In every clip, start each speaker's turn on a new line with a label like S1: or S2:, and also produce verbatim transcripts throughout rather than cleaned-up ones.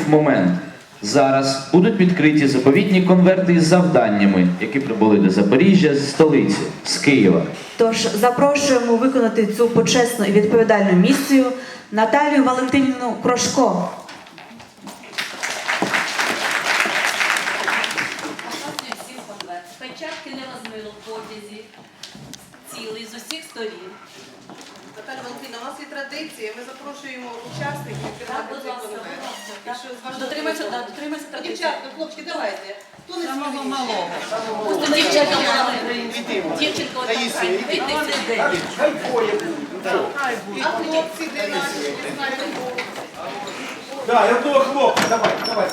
S1: момент. Зараз будуть відкриті заповітні конверти із завданнями, які прибули до Запоріжжя з столиці, з Києва.
S2: Тож запрошуємо виконати цю почесну і відповідальну місію Наталію Валентинівну Крошко.
S3: Всім конверт. Печатки не розмило в потязі, цілий з усіх сторін.
S4: Наталя Валентина, у нас є традиція, ми запрошуємо учасників тримати цей конверт. Якщо з вашого
S3: Дотримайся,
S4: дозволу.
S3: да, дотримайся
S4: Ну,
S3: традиції.
S4: дівчатка, хлопчики, давайте. Хто не сміливіший?
S3: Ось дівчинка мала. Дівчинка отак. Вийди сюди.
S4: А хлопці, де наші? Не знаю, кого.
S5: Да, я одного хлопця, давай, давай.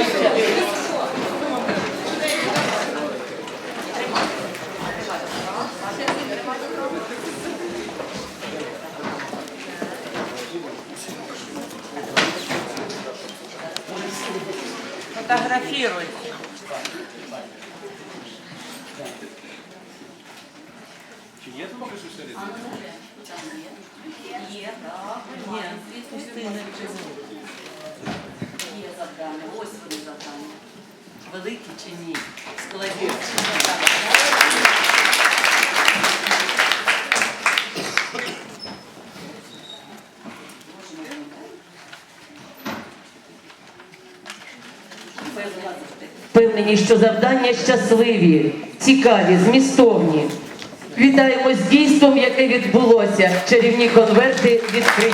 S6: Фотографируй.
S3: Є, так. Ні, пустини є завдання. Ось вони завдання. Великі чи ні? Складні.
S7: Впевнені, що завдання щасливі, цікаві, змістовні. Вітаємо з дійством, яке відбулося. Чарівні конверти відкриті.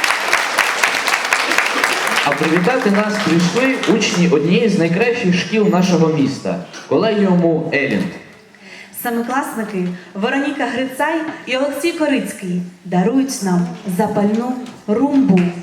S1: А привітати нас прийшли учні однієї з найкращих шкіл нашого міста – колегіуму Елінд.
S2: Семикласники Вероніка Грицай і Олексій Корицький дарують нам запальну румбу.